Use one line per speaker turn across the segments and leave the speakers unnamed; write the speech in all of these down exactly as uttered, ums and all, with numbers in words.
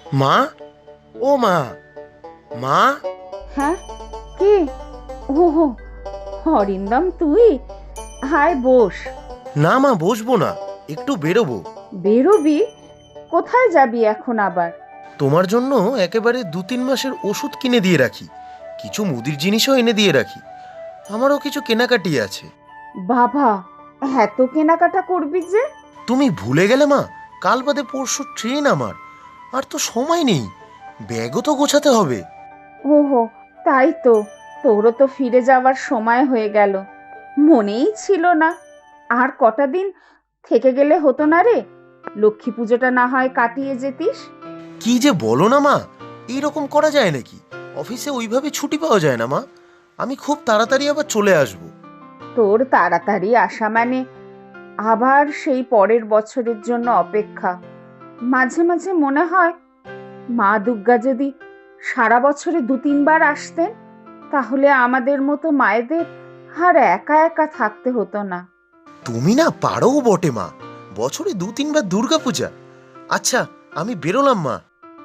মা, ও মা, মা।
হ্যাঁ, কি? ওহো, অরিন্দম তুই? হায় বস।
না মা, বসবো না, একটু বেরোবো।
বেরোবি? কোথায় যাবি এখন আবার?
তোমার জন্য একেবারে দু তিন মাসের ওষুধ কিনে দিয়ে রাখি, কিছু মুদির জিনিসও এনে দিয়ে রাখি। আমারও কিছু কেনাকাটি আছে।
বাবা, এত কেনাকাটা করবি যে?
তুমি ভুলে গেলে মা, কাল বাদে পরশু ট্রেন আমার, আর তো সময় নেই, ব্যাগও তো গোছাতে হবে।
ওহো, তাই তো, তোরও তো ফিরে যাওয়ার সময় হয়ে গেল, মনেই ছিল না। আর কটা দিন থেকে গেলে হতো না রে? লক্ষ্মী পুজোটা না হয় কাটিয়ে যেতিস।
কি যে বলো না মা, এইরকম করা যায় নাকি? অফিসে ওইভাবে ছুটি পাওয়া যায় না মা। আমি খুব তাড়াতাড়ি আবার চলে আসব।
তোর তাড়াতাড়ি আসা মানে আবার সেই পরের বছরের জন্য অপেক্ষা। মাঝে মাঝে মনে হয় মা দুর্গা যদি সারা বছরে দু তিনবার আসতেন, তাহলে আমাদের মতো মায়েদের আর একা একা থাকতে হতো না।
তুমি না পারো বটে মা, বছরে দু তিনবার দুর্গা পূজা। আচ্ছা, আমি বেরোলাম মা।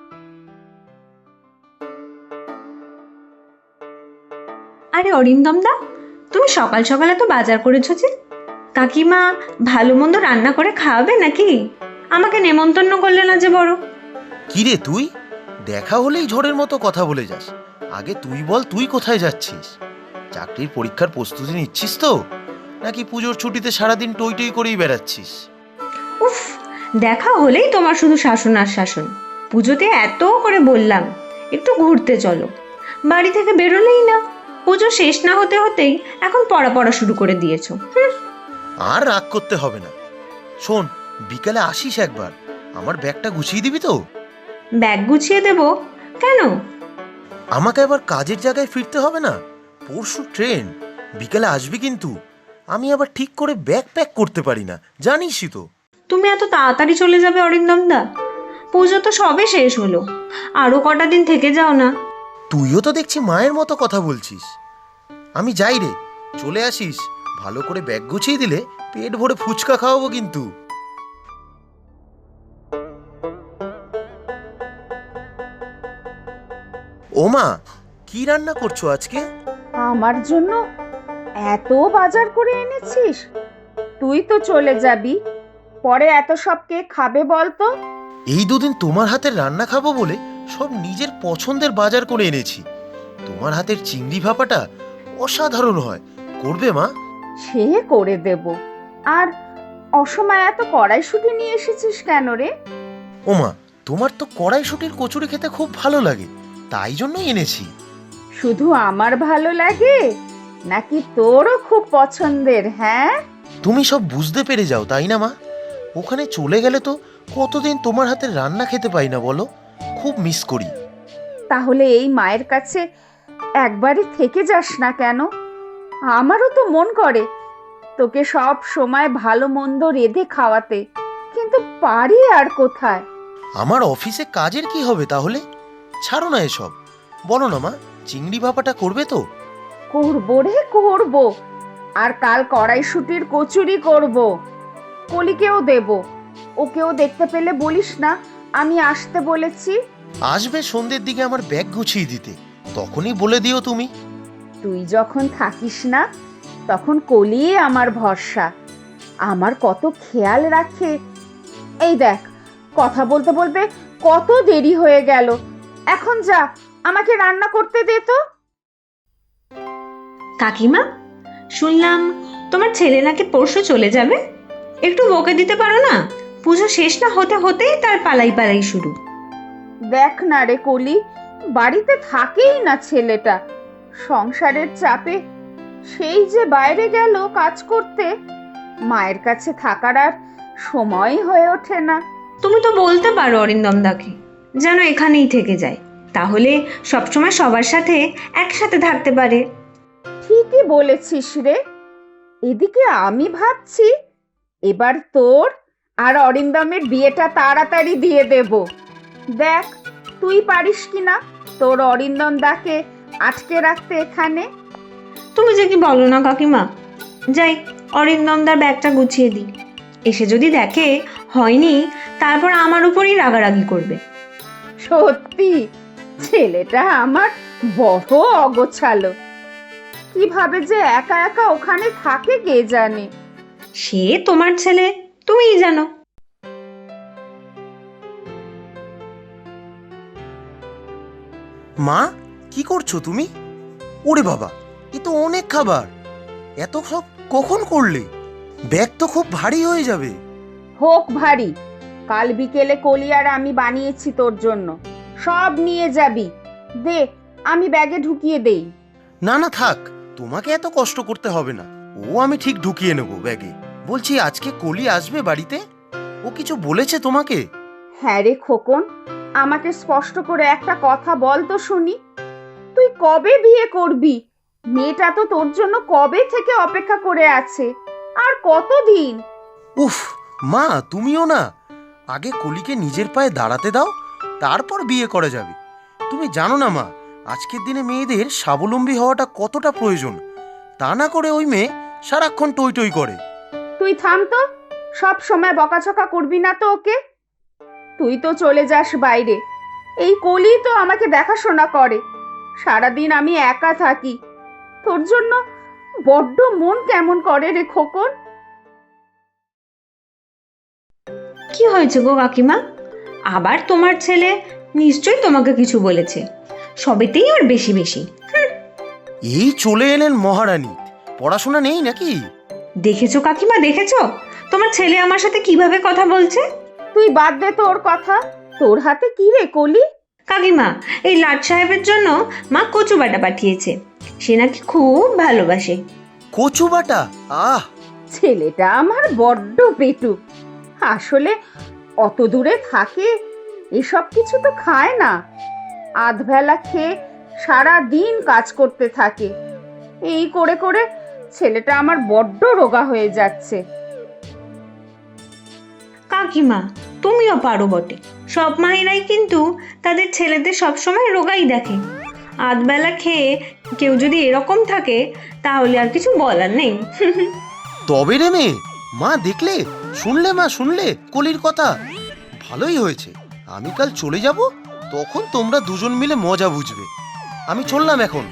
আরে অরিন্দম দা, তুমি সকাল সকালে তো বাজার করেছো যে? কাকিমা ভালো মন্দ রান্না করে খাওয়াবে নাকি? আমাকে নেমন্তন্ন করলে না যে বড়।
কি রে তুই, দেখা হলেই ঝড়ের মতো কথা বলে যাস। আগে তুই বল, তুই কোথায় যাচ্ছিস? চাকরির পরীক্ষার প্রস্তুতি নিচ্ছিস তো, নাকি পুজোর ছুটিতে সারাদিন টই টই করেই বেড়াচ্ছিস?
উফ, দেখা হলেই তোমার শুধু শাসন আর শাসন। পুজোতে এত করে বললাম একটু ঘুরতে চলো, বাড়ি থেকে বেরোলেই না। পুজো শেষ না হতে হতেই এখন পড়া পড়া শুরু করে দিয়েছো। হুম।
আর রাগ করতে হবে না। শোন, বিকালে আসিস একবার, আমার ব্যাগটা গুছিয়ে দিবি তো?
ব্যাগ গুছিয়ে দেবো? কেন?
আমাকে আবার কাজের জায়গায় ফিরতে হবে না? পরশু ট্রেন, বিকালে আসবি কিন্তু। আমি আবার ঠিক করে ব্যাগ প্যাক করতে পারি না, জানিসই তো।
তুমি এত তাড়াতাড়ি চলে যাবে অরিন্দম দা? পুজো তো সবে শেষ হলো, আরো কটা দিন থেকে যাও না।
তুইও তো দেখছি মায়ের মতো কথা বলছিস। আমি যাই রে, চলে আসিস। ভালো করে ব্যাগ গুছিয়ে দিলে পেট ভরে ফুচকা খাওয়াবো কিন্তু। ও মা, কি রান্না করছো আজকে?
আমার জন্য এত বাজার করে এনেছিস? তুই তো চলে যাবি, পরে এত সব কে খাবে বলতো?
এই দুদিন তোমার হাতের রান্না খাবো বলে সব নিজের পছন্দের বাজার করে এনেছি। তোমার হাতের চিংড়ি ভাপাটা অসাধারণ হয়, করবে মা?
সে করে দেব। আর অসময়ে এত কড়াইশুঁটি নিয়ে এসেছিস কেন রে?
ও মা, তোমার তো কড়াইশুঁটির কচুরি খেতে খুব ভালো লাগে, তাই জন্যই এনেছি।
শুধু আমার ভালো লাগে নাকি তোরও খুব পছন্দের? হ্যাঁ,
তুমি সব বুঝতে পেরে যাও তাই না মা? ওখানে চলে গেলে তো কতদিন তোমার হাতের রান্না খেতে পাই না বলো, খুব মিস করি।
তাহলে এই মায়ের কাছে একবারে থেকে যাস না কেন? আমারও তো মন করে তোকে সব সময় ভালো মন্দ রেঁধে খাওয়াতে, কিন্তু পারি আর কোথায়?
আমার অফিসে কাজের কি হবে তাহলে? ছাড়ো না এসব, বলো না মা, চিংড়ি ভাপাটা করবে তো?
করবো রে, করব। আর কাল কড়াইশুঁটির কচুরি করব, কলিকেও দেব। ওকেও দেখতে পেলে বলিস না আমি আসতে বলেছি।
আসবে সন্ধ্যের দিকে আমার ব্যাগ গুছিয়ে দিতে, তখনই বলে দিও তুমি।
তুই যখন থাকিস না তখন কলি আমার ভরসা, আমার কত খেয়াল রাখে। এই দেখ, কথা বলতে বলতে কত দেরি হয়ে গেল। এখন যা, আমাকে রান্না করতে দে তো।
কাকিমা, শুনলাম তোমার ছেলে নাকি পরশু চলে যাবে। একটু বকে দিতে পারো না? পুজো শেষ না হতে হতেই তার পালাই পালাই শুরু।
দেখ না রে কলি, বাড়িতে থাকেই না ছেলেটা, সংসারের চাপে সেই যে বাইরে গেল কাজ করতে, মায়ের কাছে থাকার আর সময় হয়ে ওঠে না।
তুমি তো বলতে পারো অরিন্দম দাকে যেন এখানেই থেকে যায়, তাহলে সবসময় সবার সাথে একসাথে থাকতে পারে।
ঠিকই বলেছিস রে। এদিকে আমি ভাবছি এবার তোর আর অরিন্দমের বিয়েটা তাড়াতাড়ি দিয়ে দেব। দেখ তুই পারিস কিনা তোর অরিন্দম দাকে আটকে রাখতে এখানে।
তুমি যে কি বলো না কাকিমা। যাই, অরিন্দমদার ব্যাগটা গুছিয়ে দিই। এসে যদি দেখে হয়নি, তারপর আমার উপরই রাগারাগি করবে।
সত্যি ছেলেটা আমার বড় অগোছালো, কিভাবে যে একা একা ওখানে থাকে কে জানে।
সে তোমার ছেলে, তুমিই জানো।
মা, কি করছো তুমি? ওরে বাবা, এ তো অনেক খাবার। এত সব কখন করলে? ব্যাগ তো খুব ভারী হয়ে যাবে।
হোক ভারী, কাল বিকেলে কলি আর আমি বানিয়েছি তোর জন্য, সব নিয়ে যাবি। দে, আমি ব্যাগে ঢুকিয়ে দেই।
না না থাক, তোমাকে এত কষ্ট করতে হবে না, ও আমি ঠিক ঢুকিয়ে নেবো ব্যাগে। বলছি, আজকে কলি আসবে বাড়িতে? ও কিছু বলেছে তোমাকে?
হ্যাঁ রে খোকন, আমাকে স্পষ্ট করে একটা কথা বল তো শুনি। তুই কবে বিয়ে করবি? মেয়েটা তো তোর জন্য কবে থেকে অপেক্ষা করে আছে, আর কতদিন?
উফ মা, তুমিও না, আগে কলিকে নিজের পায়ে দাঁড়াতে দাও, তারপর বিয়ে করা যাবে। তুমি জানো না মা, আজকের দিনে মেয়েদের স্বাবলম্বী হওয়াটা কতটা প্রয়োজন। তা না করে ওই মেয়ে সারাক্ষণ টই টই করে।
তুই থাম তো, সব সময় বকাঝকা করবি না তো ওকে। তুই তো চলে যাস বাইরে, এই কলি তো আমাকে দেখাশোনা করে। সারাদিন আমি একা থাকি, তোর জন্য বড্ড মন কেমন করে রে খোকন।
কি হয়েছে গো কাকিমা? আবার তোমার ছেলে নিশ্চয়ই তোমাকে কিছু বলেছে, সবেতেই আর বেশি বেশি।
এই চলে এলেন মহারানী, পড়াশোনা নেই নাকি?
দেখেছো কাকিমা, দেখেছো তোমার ছেলে আমার সাথে কিভাবে কথা বলছে?
তুই বাদ দে তোর কথা, তোর হাতে কি রে কলি?
কাকিমা, এই লাট সাহেবের জন্য মা কচু বাটা পাঠিয়েছে, সে নাকি খুব ভালোবাসে।
কচু বাটা? আহ,
ছেলেটা আমার বড্ড পেটু, আসলে অত দূরে থাকে, এসব কিছু তো খায় না। আধবেলা খেয়ে সারা দিন কাজ করতে থাকে, এই করে করে ছেলেটা আমার বড্ড রোগা হয়ে যাচ্ছে।
কাকিমা, তুমিও পারো বটে, সব মায়েরাই কিন্তু তাদের ছেলেদের সবসময় রোগাই দেখে। আধবেলা খেয়ে কেউ যদি এরকম থাকে তাহলে আর কিছু বলার নেই।
তবে রে মেয়ে, মা দেখলে, শুনলে মা, শুনলে কলির কথা? ভালোই হয়েছে, আমি কাল চলে যাব, তখন তোমরা দুজন মিলে মজা বুঝবে। আমি চললাম এখন।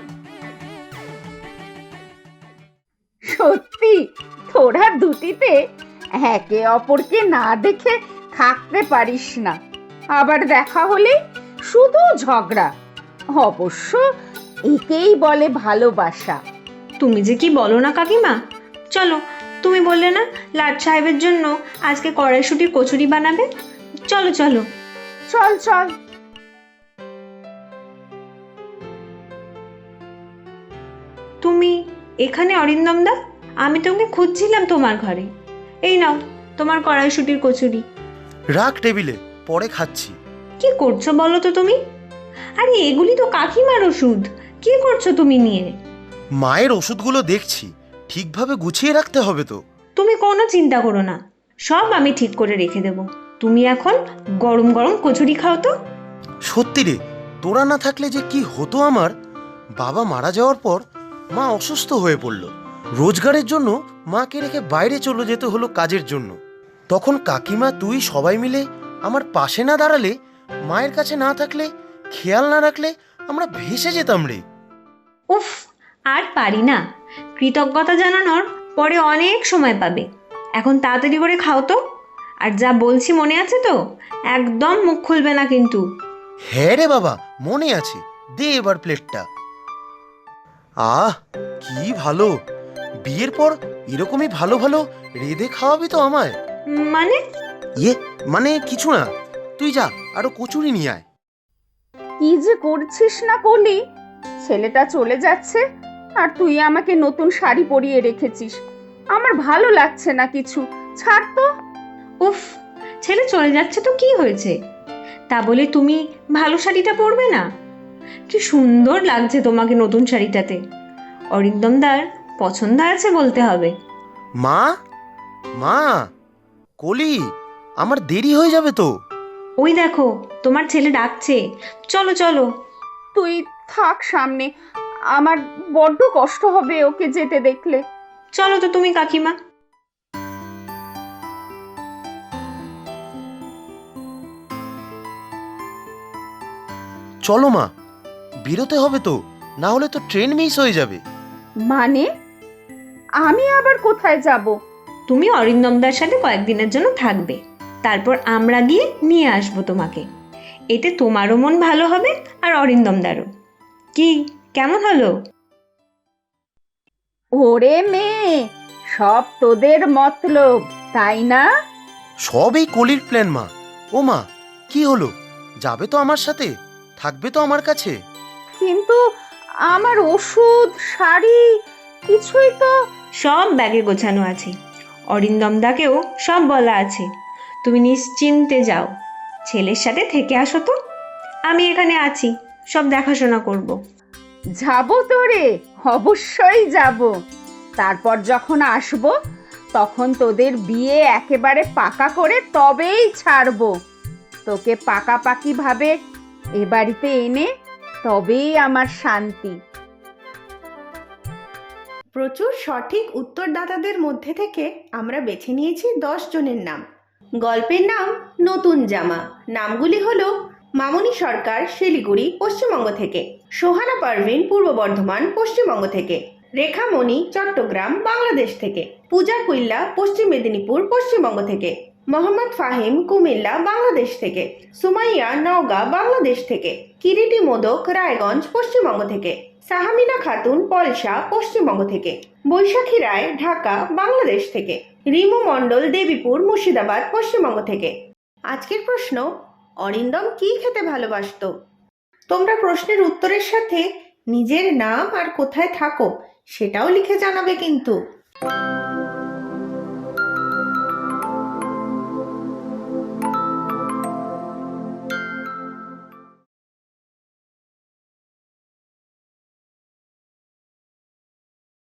সত্যি তোরা দুটিতে একে অপরকে না দেখে থাকতে পারিস না, আবার দেখা হলে শুধু ঝগড়া। অবশ্য একেই বলে ভালোবাসা।
তুমি যে কি বলো না কাকিমা। চলো, তুমি বললে না লাট সাহেবের জন্য আজকে কড়াইশুটির কচুরি বানাবে, চলো চলো।
চল চল।
তুমি এখানে অরিন্দম দা? আমি তোমাকে খুঁজছিলাম তোমার ঘরে। এই নাও তোমার কড়াইশুটির কচুরি।
রাখ টেবিলে, পরে খাচ্ছি।
কি করছো বলো তো তুমি? আরে এগুলি তো কাকিমার ওষুধ, কি করছো তুমি নিয়ে?
মায়ের ওষুধগুলো দেখছি, ঠিকভাবে গুছিয়ে রাখতে হবে তো।
তুমি কোনো চিন্তা করো না, সব আমি ঠিক করে রেখে দেব। তুমি এখন গরম গরম কচুরি খাও তো।
সত্যি রে, তোরা না থাকলে যে কি হতো আমার। বাবা মারা যাওয়ার পর মা অসুস্থ হয়ে পড়ল, রোজগারের জন্য মাকে রেখে বাইরে চলে যেতে হলো কাজের জন্য। তখন কাকিমা তুই সবাই মিলে আমার পাশে না দাঁড়ালে, মায়ের কাছে না থাকলে, খেয়াল না রাখলে আমরা ভেসে যেতাম রে।
উফ, আর পারি না, কৃতজ্ঞতা জানানোর পরে অনেক সময় পাবে। এখন তাড়াতাড়ি করে খাও তো, আর যা বলছি মনে আছে তো? একদম মুখ খুলবে না কিন্তু।
হ্যাঁ রে বাবা, মনে আছে, দে এবার প্লেটটা। আহ, কি ভালো, বিয়ের পর এরকমই ভালো ভালো রেঁধে খাওয়াবি তো আমায়।
উম, মানে?
ইয়ে মানে কিছু না, তুই যা আরো কচুরি নিয়ে আয়।
কি যে করছিস না কলি, ছেলেটা চলে যাচ্ছে আর তুই আমাকে নতুন শাড়ি পরিয়ে রেখেছিস, আমার ভালো লাগছে না কিছু, ছাড় তো।
উফ, ছেলে চলে যাচ্ছে তো কি হয়েছে? তা বলে তুমি ভালো শাড়িটা পরবে না? কি সুন্দর লাগছে তোমাকে নতুন শাড়িটাতে। অরিন্দমদার পছন্দ আছে বলতে হবে।
মা, মা, কলি, আমার দেরি হয়ে যাবে তো।
ওই দেখো তোমার ছেলে ডাকছে, চলো চলো।
তুই থাক সামনে, আমার বড্ড কষ্ট হবে ওকে যেতে দেখলে।
চলো তো তুমি কাকিমা।
চলো মা, বেরোতে হবে তো, না হলে তো ট্রেন মিস হয়ে যাবে।
মানে আমি আবার কোথায় যাব?
তুমি অরিন্দমদার সাথে কয়েকদিনের জন্য থাকবে, তারপর আমরা গিয়ে নিয়ে আসবো তোমাকে। এতে তোমারও মন ভালো হবে আর অরিন্দমদারও। কি, কেমন হলো?
ওরে মেয়ে, সব তোদের মতলব, তাই না?
সব এই কলির প্ল্যান মা। ও মা, কি হলো? যাবে তো আমার সাথে, থাকবে তো আমার কাছে?
কিন্তু আমার ওষুধ, শাড়ি কিছুই তো।
সব ব্যাগে গোছানো আছে, অরিন্দমদাকেও সব বলা আছে। তুমি নিশ্চিন্তে যাও, ছেলের সাথে থেকে আসো তো, আমি এখানে আছি, সব দেখাশোনা করব।
যাব তো রে, অবশ্যই যাব। তারপর যখন আসব তখন তোদের বিয়ে একেবারে পাকা করে তবেই ছাড়বো। তোকে পাকাপাকি ভাবে এ বাড়িতে এনে তবেই আমার শান্তি।
প্রচুর সঠিক উত্তরদাতাদের মধ্যে থেকে আমরা বেছে নিয়েছি দশ জনের নাম। গল্পের নাম নতুন জামা। নামগুলি হলো মামনি সরকার, শিলিগুড়ি, পশ্চিমবঙ্গ থেকে; সোহানা পারভিন, পূর্ব বর্ধমান, পশ্চিমবঙ্গ থেকে; রেখা মণি, চট্টগ্রাম, বাংলাদেশ থেকে; পূজা কুইল্লা, পশ্চিম মেদিনীপুর, পশ্চিমবঙ্গ থেকে; মোহাম্মদ ফাহিম, কুমিল্লা, বাংলাদেশ থেকে; সুমাইয়া, নওগাঁ, বাংলাদেশ থেকে; কিরিটি মোদক, রায়গঞ্জ, পশ্চিমবঙ্গ থেকে; সাহামিনা খাতুন, পলসা, পশ্চিমবঙ্গ থেকে; বৈশাখী রায়, ঢাকা, বাংলাদেশ থেকে; রিমু মণ্ডল, দেবীপুর, মুর্শিদাবাদ, পশ্চিমবঙ্গ থেকে। আজকের প্রশ্ন, অরিন্দম কি খেতে ভালোবাসতো? তোমরা প্রশ্নের উত্তরের সাথে নিজের নাম আর কোথায় থাকো সেটাও লিখে জানাবে কিন্তু।